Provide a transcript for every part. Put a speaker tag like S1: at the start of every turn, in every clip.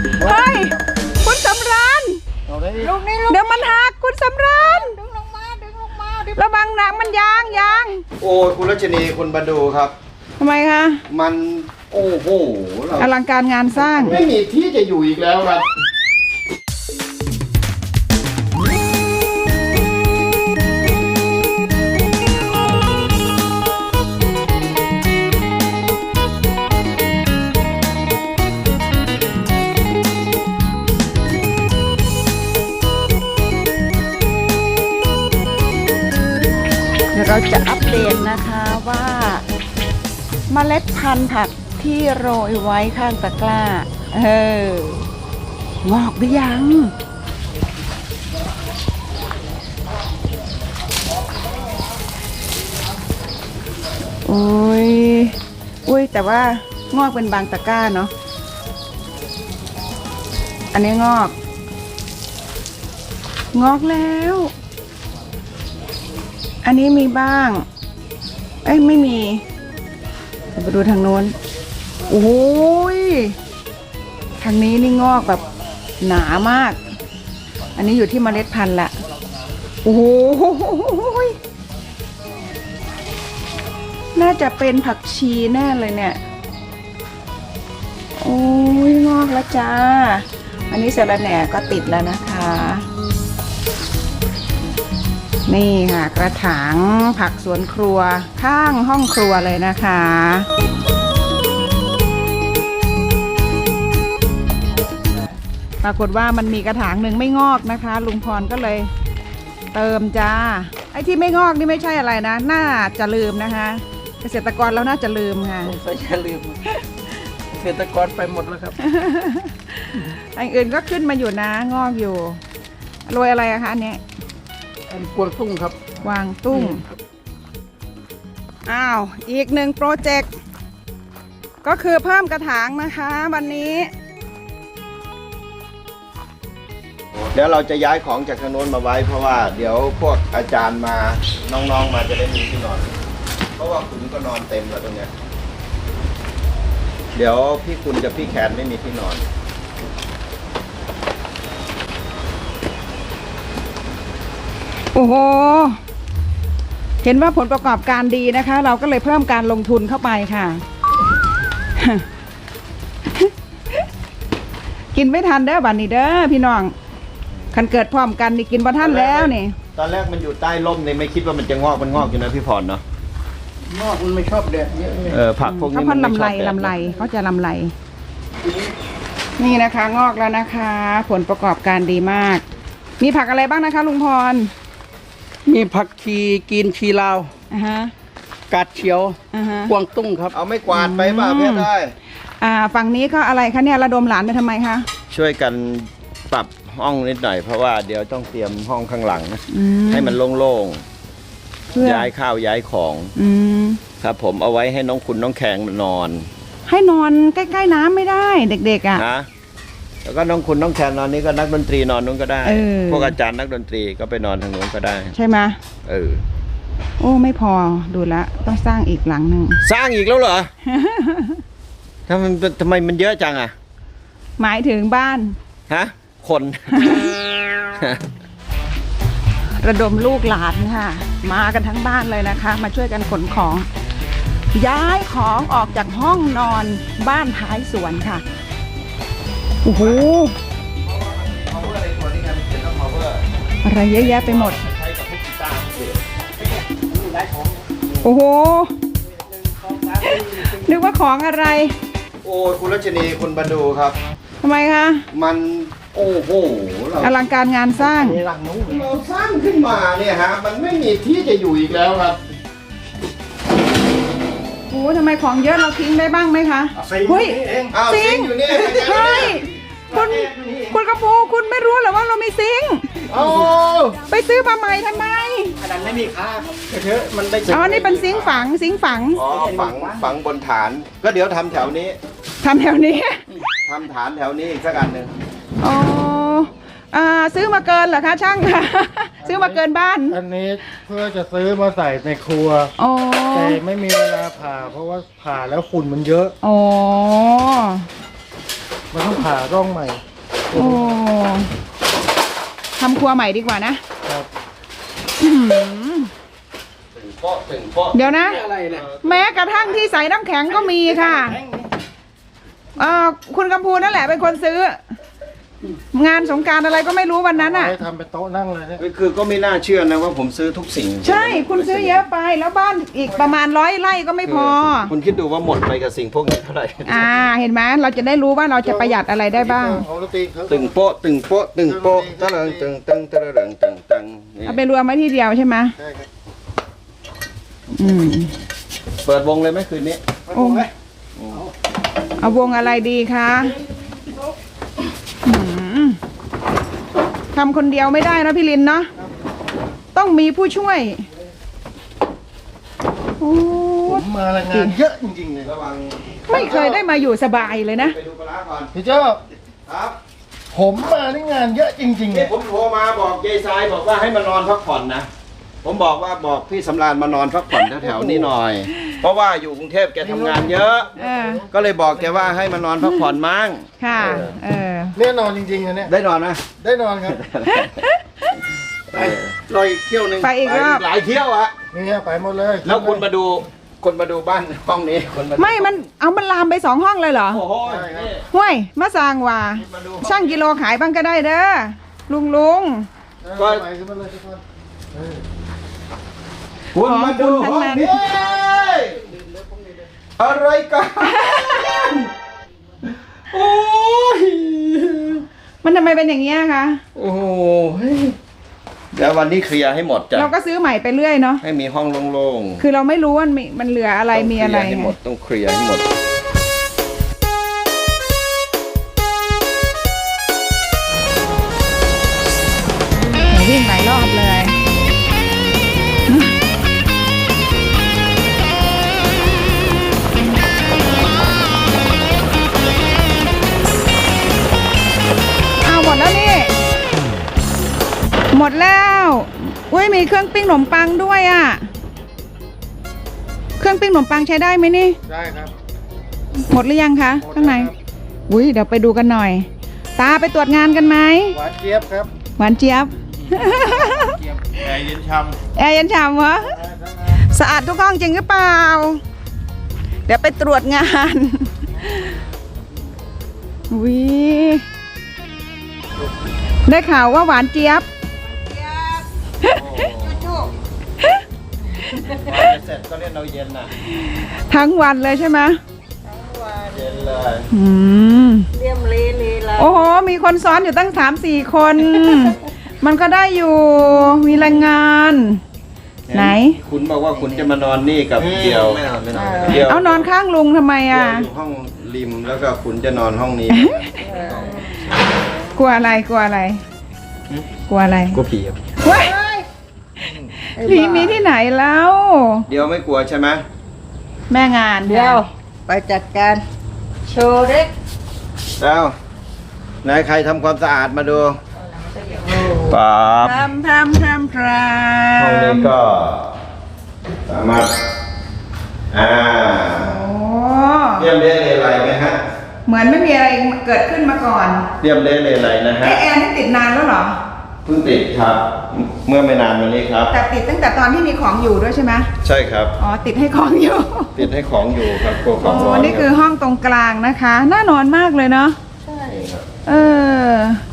S1: เฮ้ยคุณสำราญ
S2: ลูกนี่
S1: เดี๋ยวมันหักคุณสำราญ
S2: ดึงลงมา
S1: ระวังหนังมันยาง
S3: โอ้ยคุณรัชนีคุณมาดูครับ
S1: ทำไมคะ
S3: มันโอ้โห
S1: อลังการงานสร้าง
S3: ไม่มีที่จะอยู่อีกแล้วครับ
S1: เดี๋ยวเราจะอัปเดตนะคะว่าเมล็ดพันธุ์ผักที่โรยไว้ข้างตะกร้างอกหรือยังอุ้ยแต่ว่างอกเป็นบางตะกร้าเนาะอันนี้งอกแล้วอันนี้มีบ้างไม่มีไปดูทางโน้นโอ้ยทางนี้นี่งอกแบบหนามากอันนี้อยู่ที่เมล็ดพันธุ์ละโอ้ยน่าจะเป็นผักชีแน่เลยเนี่ยโอ้ยงอกแล้วจ้าอันนี้สะระแหน่ก็ติดแล้วนะคะนี่ค่ะกระถางผักสวนครัวข้างห้องครัวเลยนะคะปรากฏว่ามันมีกระถางหนึ่งไม่งอกนะคะลุงพรก็เลยเติมจ้าไอ้ที่ไม่งอกนี่ไม่ใช่อะไรนะน่าจะลืมนะคะเกษตรกรเราน่าจะลืมค่ะ
S2: สงสัยจะลืมเกษตรกรไปหมดแล้วครับ
S1: อันอื่นก็ขึ้นมาอยู่นะงอกอยู่โรยอะไรอะคะอันนี้
S2: กวางตุ้งครับ
S1: กวางตุ้งอ้าวอีกหนึ่งโปรเจกต์ก็คือเพิ่มกระถางนะคะวันนี้
S3: เดี๋ยวเราจะย้ายของจากทางโน้นมาไว้เพราะว่าเดี๋ยวพวกอาจารย์มาน้องๆมาจะได้มีที่นอนเพราะว่าคุณก็นอนเต็มแล้วตรงเนี้ยเดี๋ยวพี่คุณกับพี่แคนไม่มีที่นอน
S1: โอ้โหเห็นว่าผลประกอบการดีนะคะเราก็เลยเพิ่มการลงทุนเข้าไปค่ะ กินไม่ทันเด้อบัดนี้เด้อพี่น้องคันเกิดพร้อมกันนี่กินบ่ทันแล้วนี่
S3: ตอนแรกมันอยู่ใต้ร่มเนี่ยไม่คิดว่ามันจะงอกมันงอกอยู่นะพี่พรเนาะ
S2: งอกมันไม่ชอบแดดเยอะ
S3: ผักพวกนี้
S1: มันไม่ชอบแดดลำไรเขาจะลำไรนี่นะคะงอกแล้วนะคะ ผลประกอบการดีมากมีผักอะไรบ้างนะคะลุงพร
S2: มีผักชีกินชีลาวกาดเขียวกวางตุ้งครับ
S3: เอาไม่กวาดไปป่ะเพื่อได้
S1: ฝั่งนี้ก็อะไรคะเนี่ยระดมหลานไปทำไมคะ
S3: ช่วยกันปรับห้องนิดหน่อยเพราะว่าเดี๋ยวต้องเตรียมห้องข้างหลังให้มันโล่งๆย้ายข้าวย้ายของครับผมเอาไว้ให้น้องคุณน้องแข็งนอน
S1: ให้นอนใกล้ๆน้ำไม่ได้เด็กๆ
S3: นะแล้วก็น้องคุณน้องแคนนอนนี้ก็นักดนตรีนอนนู้นก็ได้พวกอาจารย์นักดนตรีก็ไปนอนทางนู้นก็ได้
S1: ใช่ไหมโอ้ไม่พอดูแลต้องสร้างอีกหลังหนึ่ง
S3: สร้างอีกแล้วเหรอ ทำไมมันเยอะจังอ่ะ
S1: หมายถึงบ้าน
S3: คน
S1: ระดมลูกหลานค่ะมากันทั้งบ้านเลยนะคะมาช่วยกันขนของย้ายของออกจากห้องนอนบ้านท้ายสวนค่ะโอ้โหอะไรเยอะแยะไปหมดโอ้โหนึกว่าของอะไร
S3: โอ้คุณรัชนีคุณมาดูครับ
S1: ทำไมคะ
S3: มันโอ้โห
S1: อลังการงานสร้าง
S3: เราสร้างขึ้นมาเนี่ยฮะมันไม่มีที่จะอยู่อีกแล้วครับ
S1: โอ้ทำไมของเยอะเราทิ้งได้บ้างไหมคะ
S3: เฮ้ยซิงอยู่นี่
S1: เฮ้ยคุณกระพูคุณไม่รู้เหรอว่าเรามีซิงไปซื้อมาใหม่ทำไม
S2: อันนั้นไม่มีค่าเยอะมันได้
S1: นี่เป็นซิงฝัง
S3: ฝังบนฐานก็เดี๋ยวทำแถวนี้
S1: ทำฐ
S3: านแถวนี้อีกสักอันหนึ่ง
S1: ซื้อมาเกินเหรอคะช่างคะซื้อมาเกินบ้าน
S4: อันนี้เพื่อจะซื้อมาใส่ในครัวแต่ไม่มีเวลาผ่าเพราะว่าผ่าแล้วฝุ่นมันเยอะมันต้องผ่าร่องใหม่
S1: โอ้ทำครัวใหม่ดีกว่านะครับ อื้อหือ
S3: ถึงโป๊ะถึงโป๊ะ
S1: เดี๋ยวนะ
S2: อะไรเนี่ย
S1: แม้กระทั่งที่ใส่น้ำแข็งก็มีค่ะคุณกำพูนั่นแหละเป็นคนซื้อ งานสงกรานต์อะไรก็ไม่รู้วันนั้นอ่ะ
S4: ไว้ทำเป็นโต๊ะนั่งเลยเนี่ย
S3: คือก็ไม่น่าเชื่อนะว่าผมซื้อทุกสิ่ง
S1: ใช่คุณซื้อเยอะไปแล้วบ้านอีกประมาณ100 ไร่ก็ไม่พอ
S3: คุณคิดดูว่าหมดไปกับสิ่งพวกนี้เท่าไหร่
S1: เห็นไหมเราจะได้รู้ว่าเราจะประหยัดอะไรได้บ้าง
S4: ของดนตรีเขา
S3: ตึงโป๊ะตึงโป๊ะตึงโป๊ะตะเริงตึงตึงตะเริงตึงตึงนี่
S1: เอาไปรวมไว้ที่เดียวใช่ไหม
S4: ใช่ครับ
S1: อืม
S3: เปิดวงเลยไหมคืนนี้
S1: โอ้เอาวงอะไรดีคะอืมทำคนเดียวไม่ได้นะพี่ลินเนาะต้องมีผู้ช่วยโอ้
S4: ผมมาละงานเยอะจริงๆเลย
S3: ระวัง
S1: ไม่เคยได้มาอยู่สบายเลยนะ
S3: ไปดูปลาร้าก่อน
S4: พี่เจ้า
S3: ครับ
S4: ผมมานี่งานเยอะจริงๆเล
S3: นี่
S4: ย
S3: ผมโทรมาบอกยายทรายบอกว่าให้มานอนพักผ่อนนะผมบอกพี่สำราญมานอนพักผ่อนแถวๆนี้หน่อย เพราะว่าอยู่กรุงเทพแกทำงานเยอะ ก็เลยบอกแกว่าให้มานอนพักผ่อนมั่ง
S1: ค่ะ
S4: เนี่ยนอนจริงๆนะเนี่ย
S3: ได้นอนไหม
S4: ได้นอนครับ
S2: รอยเที่ยวหนึ่ง
S1: ไปอีกรอบ
S3: หลายเที่ยวอะ
S4: นี่ไปหมดเลย
S3: แล้วคุณมาดูบ้านห้องนี้คุณมาดู
S1: มันลามไป2 ห้องเลยเหรอ
S3: โอ้โหนี่
S1: ห้วยมาสร้างว่า
S3: มาดู
S1: ช่างกิโลขายบ้างก็ได้เด้อลุง
S4: ก็ไปขึ้นมาเลยทุกคนเออ
S3: คุณมาดู
S1: ของคุณทั้
S3: ห้อง
S1: งนั้น
S3: นี้อะไรกันโอ้ย
S1: มันทำไมเป็นอย่างเงี้ยคะ
S3: โอ้โหเดี๋ยววันนี้เคลียร์ให้หมดจ้ะ
S1: เราก็ซื้อใหม่ไปเรื่อยเนาะ
S3: ให้มีห้องโล่งๆ
S1: คือเราไม่รู้ว่ามันเหลืออะไรมีอะไร
S3: ต้องเคลียร์ให้หมดต้องเคลียร์ให้หมด
S1: วิ่งหลายรอบเลยเอาหมดแล้วนี่ หมดแล้วอุ้ยมีเครื่องปิ้งขนมปังด้วยอ่ะ เครื่องปิ้งขนมปังใช้ได้ไหมนี่
S4: ได้ครับ
S1: หมดหรือยังคะข้างใน อุ้ยเดี๋ยวไปดูกันหน่อย ตาไปตรวจงานกันไหม
S4: หวานเจี๊ยบครับ
S1: หวานเจี๊ยบ
S4: แอร์เย็นช่
S1: แอร์เย็นฉ่ำวะสะอาดทุกห้องจริงหรือเปล่า เดี๋ยวไปตรวจงานวิได้ข่าวว่าหวานเจี๊ยบ
S3: เสร็จก็เล่นเอาเย็นน่ะ
S1: ทั้งวันเลยใช่ไหม
S3: เย็นเลย
S1: อืมโอ้โห มีคนซ้อนอยู่ตั้ง3-4 คน มันก็ได้อยู่ มีแรงงาน ไหน
S3: คุณบอกว่าคุณจะมานอนนี่กับเดียวไม่นอนเดียว
S1: เอานอนข้างลุงทำไม
S3: เดียว
S1: อ่ะ
S3: อยู่ห้องริมแล้วก็คุณจะนอนห้องนี้
S1: กลัวอะไร กลัวอะไร กลัวอะไร
S3: กลัวผีครับ
S1: เว้ยผีมีที่ไหนแล้ว
S3: เดียวไม่กลัวใช่ไหม
S1: แม่งาน
S5: เดี๋ยวไปจัดการโชว์เล็ก
S3: แล้วไหนใครทำความสะอาดมาดูป๊าบ
S1: ทำ
S3: ห้องนี้ก็สามารถ
S1: โ
S3: อ่า
S1: อ้
S3: เรียมเละเลไรไหมฮะ
S1: เหมือนไม่มีอะไรเกิดขึ้นมาก่อน
S3: เรียมเละเลไรนะฮะ
S1: แอร์นี่ติดนานแล้วเหรอ
S3: เพิ่งติดครับ เมื่อไม่นานมานี้ครับ
S1: แต่ติดตั้งแต่ตอนที่มีของอยู่ด้วยใช่ไหม
S3: ใช่ครับ
S1: อ๋อ ติดให้ของอยู่
S3: ติดให้ของอยู่ครับกลัวของร้อน
S1: นี่คือห้องตรงกลางนะคะ น่านอนมากเลยเนาะ
S3: ครับ
S1: เออ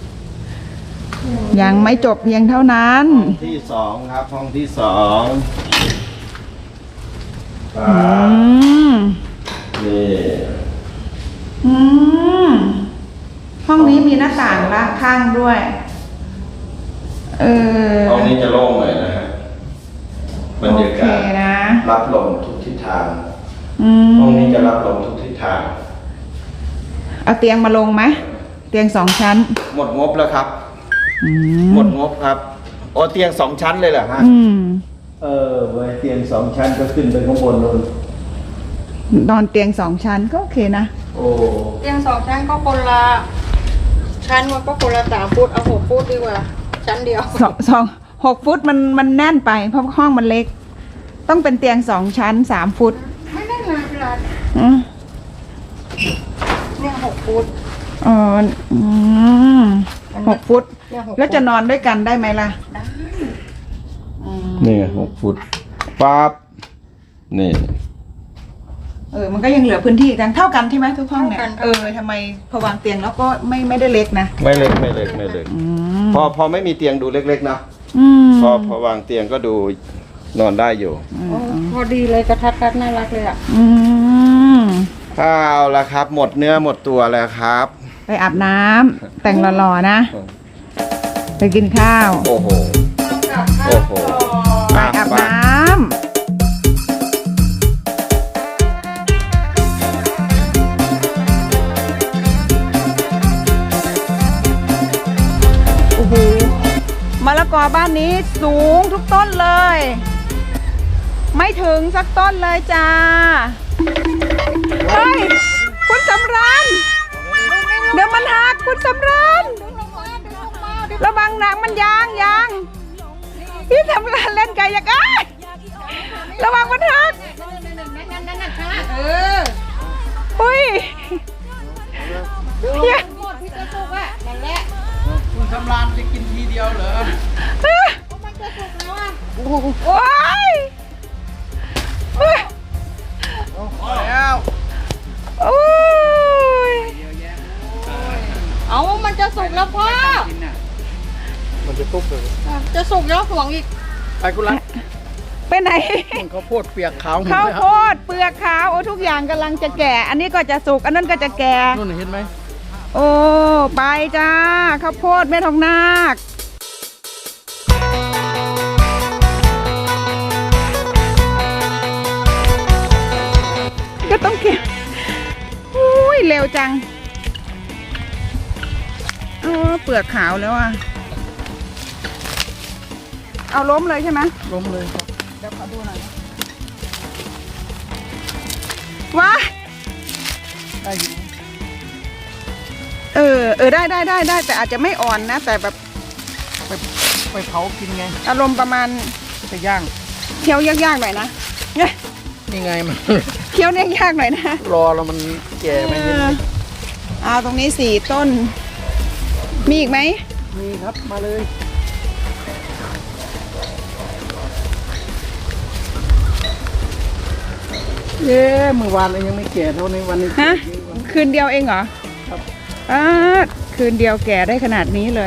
S1: ยังไม่จบเพียงเท่านั้น
S3: ห้องที่สองครับ ห้องที่สองค
S1: อื
S3: รับ
S1: ม
S3: นี่
S1: อืม ห้องนี้มีหน้าต่างละข้างด้วย เออ
S3: ห้องนี้จะโล่งเลยนะฮะบรรยากาศ
S1: โอเคนะ
S3: รับลมทุกทิศทาง
S1: อืม
S3: ห้องนี้จะรับลมทุกทิศทาง
S1: เอาเตียงมาลงไหม เตียง2 ชั้น
S3: หมดงบแล้วครับ
S1: อืม
S3: หมดงบครับโอ้เตียง2 ชั้นเลยเหรอฮะ
S1: อืม
S3: ไว้เตียง2 ชั้นก็ขึ้นไปข้างบนนู่น
S1: นอนเตียง2 ชั้นก็โอเคนะ
S3: โอ้
S5: เตียง2 ชั้นก็คนละชั้นมันก็คนละ3 ฟุตเอา6 ฟุตดีกว่า ชั้นเดียว
S1: 6 ฟุตมันแน่นไปเพราะห้องมันเล็ก ต้องเป็นเตียง2 ชั้น 3 ฟุต
S5: ไม่ได้นานเวลา
S1: อืม
S5: เนี่ย6 ฟุต
S1: อ๋อ6 ฟุต
S5: เนี่ย6
S1: แล้วจะนอนด้วยกันได้ไหมล่ะ
S3: นี่6 ฟุตปั๊บนี่
S1: มันก็ยังเหลือพื้นที่กันเท่ากันใช่ไหมทุกห้องเนี่ยทำไมพอวางเตียงแล้วก็ไม่ได้เล็กนะ
S3: ไม่เล็กพอไม่มีเตียงดูเล็กๆเนาะ
S1: อืม
S3: พอวางเตียงก็ดูนอนได้อยู่
S5: โอ้พอดีเลยกระทัดรัดน่ารักเลยอ่ะ
S1: อืม
S3: ข้าวละครับ หมดเนื้อหมดตัวแล้วครับ
S1: ไปอาบน้ำแต่งหล่อๆนะ ไปกินข้าว
S3: โอ้โห
S1: ไปอาบน้ำโอ้โหมะละกอบ้านนี้สูงทุกต้นเลย ไม่ถึงสักต้นเลยจ้า เฮ้ย คุณสำราญเดี๋ยวมันหักคุณสำราญระวังหนังมันยางพี่สำราญเล่นไก่ยักษ์อ้ายระวังมันหักอุ้ยเฮีย
S5: หมดพี่จะสุกอ่ะนั่นแหละ
S2: คุณสำรานจะกินทีเดียวเหรอ
S5: มันจะสุกแล้วอ่ะ
S1: โอ้ย
S2: พอแล้ว
S1: โอ้ย
S5: เอามันจะสุกแล้วพ่อ
S2: กินน่ะ
S4: มันจะตุ๊บเลย
S5: จะสุกแล้วห่วงอีก
S2: ไปคุณรัก
S1: ไปไหน
S2: มันข้าวโพดเปียกขาวหมด
S1: ข้าว
S2: เลยค
S1: โพ
S2: รับ
S1: ดเปลือกขาวโอ้ทุกอย่างกำลังจะแก่ อันนี้ก็จะสุกอันนั้นก็จะแก่
S2: นู่นเห็นไหม
S1: โอ้ไปจ้าข้าวโพดแม่ทองนาคก็ต้องเก็บอุ้ยเร็วจังเปลือกขาวแล้วอ่ะเอาล้มเลยใช่ไหม
S2: ล้มเลยครับ
S1: เดี๋ยวขอดูหน่อยว้า
S2: ได้อยู่
S1: ได้แต่อาจจะไม่อ่อนนะ แต่แบบ
S2: ไปเผากินไง
S1: อารมณ์ประมาณ
S2: ไปย่าง
S1: เคี้ยวยากๆหน่อยนะเนี่ย
S2: นี่ไงมัน
S1: เคี้ยวเนี่ยยากหน่อยนะ
S2: รอแล้วมันแก่ไหม
S1: เอาตรงนี้4 ต้น มีอีกไหม
S2: มีครับมาเลย เย้เมื่อวานเลยยังไม่แก่เท่าในวันนี้
S1: ฮะคืนเดียวเองเหรอ
S2: ครับ
S1: คืนเดียวแก่ได้ขนาดนี้เลย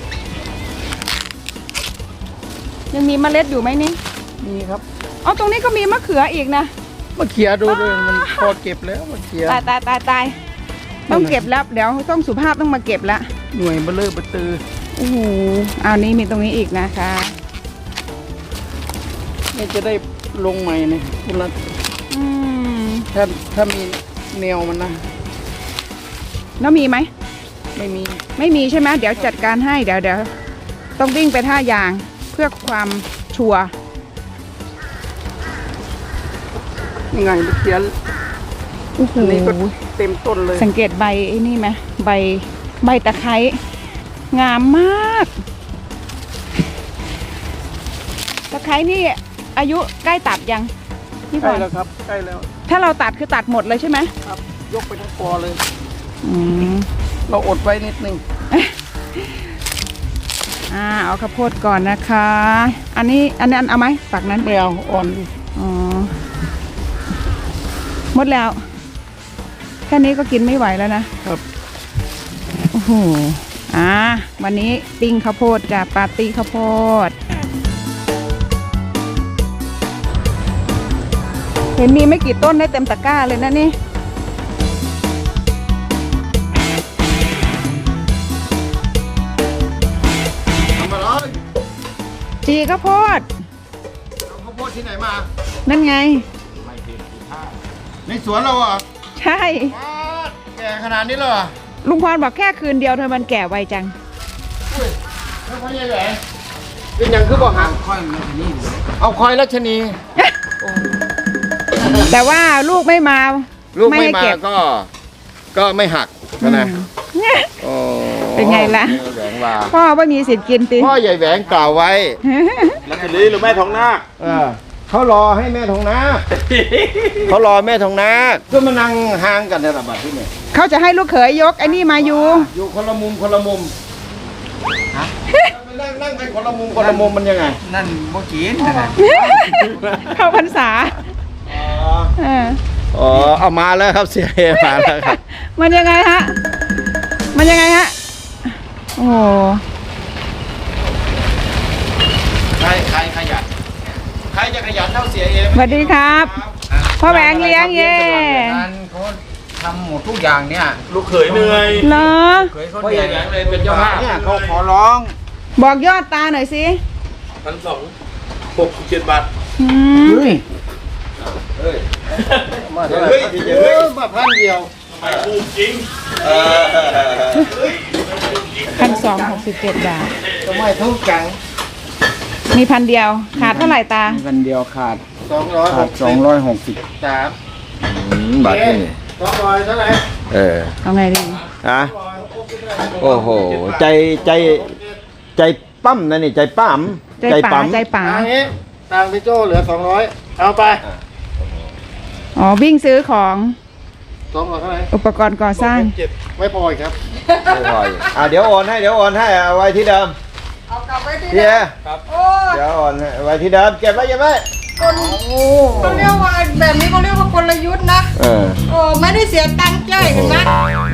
S1: ยังมีเมล็ดอยู่ไหมนี่
S2: มีครับ
S1: อ๋อตรงนี้ก็มีมะเขืออีกนะ
S2: มาเขี่ยดูด้วยมันพอเก็บแล้วมาเขี่ย
S1: ตายต้องเก็บแล้วเดี๋ยวต้องสุภาพต้องมาเก็บละ
S2: หน่วยเบลเลอร์เบตือ
S1: โอ้โหเอานี้มีตรงนี้อีกนะคะ
S2: นี่จะได้ลงใหม่เนี่ยคุณรัก
S1: อืม
S2: ถ้ามีแนวมันนะ
S1: แล้วมีไหม
S2: ไม่มี
S1: ไม่มีใช่ไหมเดี๋ยวจัดการให้เดี๋ยวต้องวิ่งไปท่ายางเพื่อความชัวร์
S2: ยังไงมาเขี่ย
S1: โอ้โห
S2: อันนี้ก็เต็มต้นเลย
S1: สังเกตใบไอ้นี่ไหมใบตะไคร้งามมากตะไคร้นี่อายุใกล้ตัดยังพี่
S2: ใก
S1: พ
S2: ล้
S1: ร
S2: แล้วครับใกล้แล้ว
S1: ถ้าเราตัดคือตัดหมดเลยใช่ไหม
S2: ครับ ยกไปทั้งปอเลย
S1: อืม
S2: เราอดไว้นิดนึง
S1: เอาข้าวโพดก่อนนะคะ อันนี้เอาไหมฝักนั้น
S2: ไม่เอาอ่อนดิ
S1: อ๋อหมดแล้ว แค่นี้ก็กินไม่ไหวแล้วนะครับ โอ้โหวันนี้ปิ้งข้าวโพดกับปาร์ตี้ข้าวโพดเห็นมีไม่กี่ต้นได้เต็มตะกร้าเลยนะนี่
S3: ทำอะไร
S1: จีข้าวโพด
S3: เอาข้าวโพดที่ไหนมา
S1: นั่นไง
S3: ไม่เห็นที่ท่าในสวนเราเหรอ่ะ
S1: ใช่
S3: แก่ขนาดนี้เลยเหรอ
S1: ลุงพรบอกแค่คืนเดียวเธอมันแก่ไวจัง
S3: อุ้ยแล้วพ่อใหญ่แหวนเป็นอย่างคือบอกฮะ
S2: ค่อยมาที่นี่
S3: เอาคอยรัชนี
S1: แต่ว่าลูกไม่มา
S3: ลูกไม่
S1: ให้
S3: มา
S1: เก็บ
S3: ก็ไม่หักนะ
S1: เนี่ย
S3: โอ้
S1: เป็นไงล่ะ
S3: ใหญ่แหวงว่า
S1: พ่อว่ามีสิทธิ์กินติ
S3: พ่อใหญ่แหวงกล่าวไว้
S6: รัชนีหรือแม่ทองนาค
S3: เออเขารอให้แม่ทองนาค เขารอแม่ทองนาคก็มานั่งห่างกันในระบาดที่เนี่ย
S1: เขาจะให้ลูกเขยยกไอ้นี่มาอยู่
S3: อยู่คนละมุมคนละมุมไปนั่งกันคนละมุมคนละมุมมันยังไง
S2: นั่นบ่กินนะ
S1: เข้าพรรษา
S3: อ๋อ
S1: เออ
S3: อ๋อเอามาแล้วครับเสียเอมาแล้วครับ
S1: มันยังไงฮะ มันยังไงฮะ โอ้โห
S3: ใครขยันใครจะขยันเท่าเสียเอ
S1: สวัสดีครับ พ่อแหวงเลี้ยงเย่
S2: งานเขาทำหมดทุกอย่างเนี่ย
S6: ลูกเขยเหนื่อย
S1: เหรอ
S2: เคยเขาเหนื่อยเลยเป็นเจ้าภาพ
S3: เนี่ยเขาขอร้อง
S1: บอกยอดตาหน่อยสิ
S6: 1,267 บาท
S1: อืม
S2: เฮ้ย
S3: เฮ้ย
S4: มา
S3: เฮ้
S4: เฮ้
S3: ย
S4: ย
S3: เฮ้ย
S4: มาพันเดียว
S6: ถูกจริง
S1: 1,267 บาท
S4: ทำไมทุกจัง
S1: มี1,000 เดียว ขาดเท่าไหร่ตา
S2: กันเดียวขาด
S4: 260 3
S3: บาทนี่
S4: 200เท่าไหร่
S1: เอาไงดี
S3: ฮะโอ้โห ใจปั้มนะนี่ ใจปั้ม
S1: ใจป๋าใจป๋า
S4: อันนี้ตังค์พี่โจ้เหลือ 200 เอาไป
S1: อ๋อ วิ่งซื้อของ
S4: 200เท่าไหร่
S1: อุปกรณ์ก่อสร้าง
S4: ไม่พออีกครับ
S3: ไม่พออีกเดี๋ยวโอนให้เอาไว้ที่เดิม
S5: เอากลับไว้ที่
S3: เฮี
S5: เดิ
S3: ย
S5: มโอ้ย
S3: เดี๋ยวโอนให้ไว้ที่เดิมเก็บไว้
S5: คนเขาเรียกว่าแบบนี้เขาเรียกว่ากลยุทธ์นะ
S3: เออ
S5: โอ้ไม่ได้เสียตังค์จ่ายเห็นไหม